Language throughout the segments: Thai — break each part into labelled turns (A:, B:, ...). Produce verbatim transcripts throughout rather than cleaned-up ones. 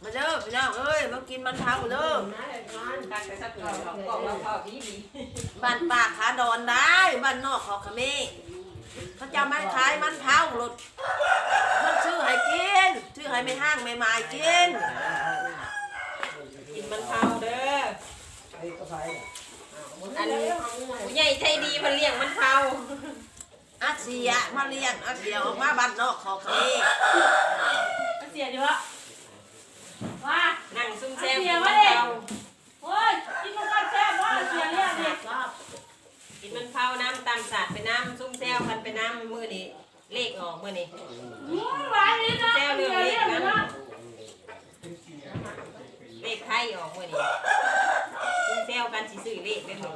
A: มาเด้อพี่น้องเอ้ยมากินมันเผาเด้อ
B: ตักแต่สักเขาเขาบอกว่าพ่อพี่ดี
A: บ้านปากขาดอนได้บ้านนอกขอขมิ้นเขาจะมาขายมันเผารถมันชื่อให้กินชื่อให้ไม่ห้างไม่หมายกิน
B: กินมันเผาเด้ออันผู้ใหญ่ใจดีมันเลี้ยงมันเผา
A: อาเซียมาเรียนอาเซียออกมาบ้านนอกขอขมิ้น
C: เสียดีวะว่า
B: นั่งซุ่มแซ่บกินมันเผา
C: โอ้ยกินมันกันแซ่บว่าเสียเรียกเด็ก
B: กินมันเผาน้ำตามสาดไปน้ำซุ่มแซ่บพันไปน้ำมือนี่เลขออกมือนี่
C: หวานนี่นะ
B: แซ่บ
C: เสี
B: เรื่อง
C: ย
B: เล
C: เรี
B: ข
C: ยก
B: นะ
C: นะ
B: เลขไทยออกมือนี่ซุ่มแซ่บกันสิซื้อเลขได้หมด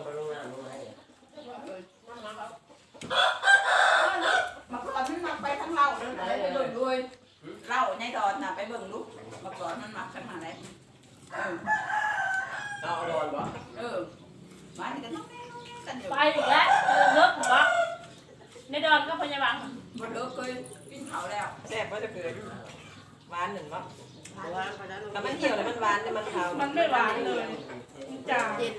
D: มาก่อนมันมาไปทั้งเราเลยไปด้วยด้วยเราในดอนน่ะไปเบิ่งลูกมาก่อนมันมาขนาดไหนเออ
E: เอาเอาดอนบ่
D: เออมาที่กันน้องแม่น้องแม่กันอยู่
C: ไปอีกแล้วเลิกหัวในดอนก็พยาบาล
D: บ่เลิกเคยกินเขาแล้ว
B: แซ่บก็จะเกิดหวานหนึ่งวะ
A: วางไปนั้น
B: แต่มันเหี่ยวแล้วมันหวานแต่มันเผา
C: มันไม่หวานเลยจ้า
A: เย็น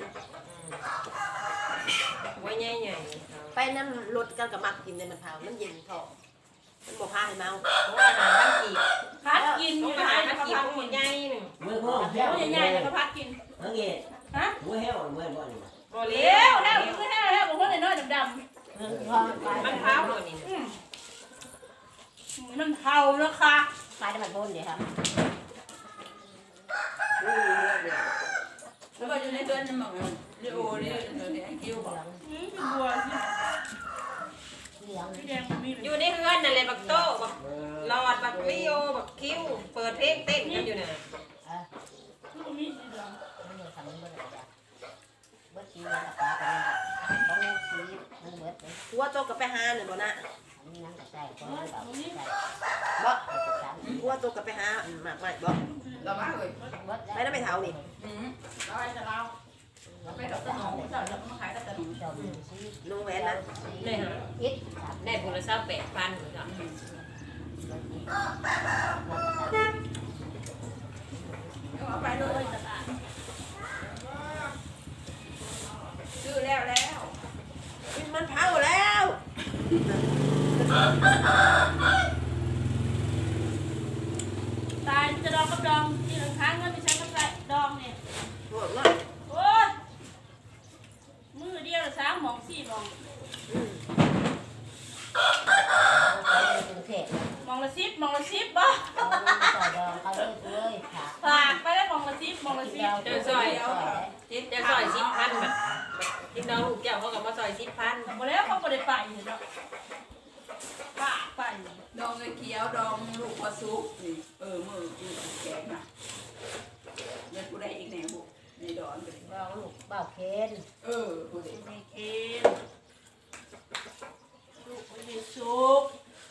B: ไว้ใหญ่ใหญ่
A: ไปนั่นรถกันกับมักกินในมันเผามันเย็นพอมันบอกพาให้เมา
B: เพราะว่าอาหารพันกีบ
C: พัดกิน
B: ต้
C: อ
B: อง
C: ยู่
B: อา
C: ไหน
B: หารพัน
C: ก็
B: กีบ
C: พัด
B: พวก
C: กิน
B: ใหญ่หนึ่ง
E: มือพ่อ
C: โอ้ยใหญ่ๆแล้วก็พัดกิน
E: ทั้งเงี้ย
C: ฮะ
E: มือแห้วมือบ่นี่
B: บ่เลี้
C: เลี้
B: ย
C: ยว วแล้วคือแห้วแล้วผมก็เลยน้อยดำ
B: มันเผาหมดนี่
C: ๆอืมมันเผาแล้วค่ะ
F: ขายได้มันบนเดี๋ยวครับ
D: แล้วก็อยู่ในเดือนนั่นมั้งเรโอนี่เดี๋ยวไอ้คิวบอก
C: อืมเป็นบัวสิ
F: เหลือง
C: พี่แดงมันมี
B: อยู่ในเฮือนนั่นแหละบักโต้บักหลอดบักลิโอบักคิ้วเปิดเพลงเต้นกันอยู่น่ะ
C: มันมีสีเหลือง
F: มันอยู่ทำมันเบิดจ้ะเบิดชีวิตปลาเป็นต้องชีวิตมันเบิดเลย
A: หัวโตกับไปหาเนี่ยบ่นะ
F: อันนี้นั่งกับใจก็ไม่แบบใจ
A: บ่
F: สาม
A: หัวโตกับไปหาหมากใหม่บ่
D: เรามาเลย
F: เบิด
A: ไปนั่นไปเท่านี่
D: อืมเราไปจะเราเราไปดอกตะหนงเราจะมาขายตะหนง
F: จมชีวิต
A: ลุงแหวนนะ
B: ได้ฮะ
F: อิดสาม
B: ได้ผลสัพแปดพันเหมือนกัน
D: เอาไปเลยซื้อแล้วแล้ว
A: กินมันเผาแล้ว
C: ตายจะดองกับดองที่หลังค้างเงินไปใช้กับดองเนี่ย
A: พวกนั้น
C: โอ้ยมือเดียวสามหมองสี่หมอง
F: กรุงเทพ
C: หมองละสิบหมองละสิบบ่
F: ต่อดองเขาเลยเลยค่ะ
C: ฝากไปได้หมองละสิบหมองละสิบ
B: เจอซอยจิตจะซอยสิบพันแบบกินน้องลูกแก้วเขาก็มาซอยสิบพัน
C: หมดแล้วเขาบ่ได้ไปเนาะฝากไป
D: ดองไอ้เขียวดองลูกพอซุกนี่เออมือกูแกงมาเดี๋ยวกูได้อีกแนวบุในดอนไป
F: บ้าลูกบ้าเคน
D: เออกูได้
C: ในเคนลูกไม่ได้สุก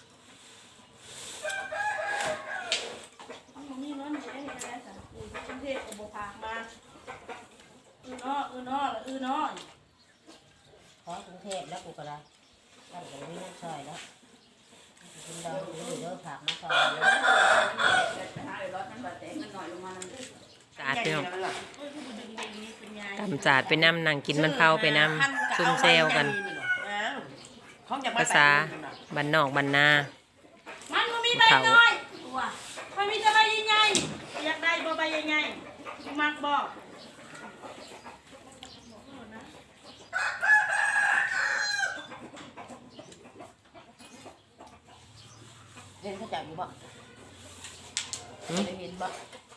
C: มันมีน้อยใหญ่ให้ได้สั่งกูกรุงเทพก็บ่พามาอือน้ออือน้อละอือน้อ
F: ขอกรุงเทพแล้วกูก็ได้ตั้งแต่นี้นั่งซอยแล้วกินดองอยู่เยอะผักมาซอย
D: ไปหาเลยรถมันบาดแต่เงินหน่อยลงมานั่น
B: สาดไปน้อง
C: เอ้ยคือดึงๆนี่เป็นไง
B: ตำสาดไปน้ำนั่งกินมันเผาไปน้ำซุ่มแซวกันภาษาบ้านนอกบ้านนา
C: มันบ่มีใบน้อยว่ะมันมีแต่ใบใหญ่ๆอยากได้บ่ใบใหญ่ๆมักบอก
F: เห็นเขาจับอยู่บ่ได้เห็นบ่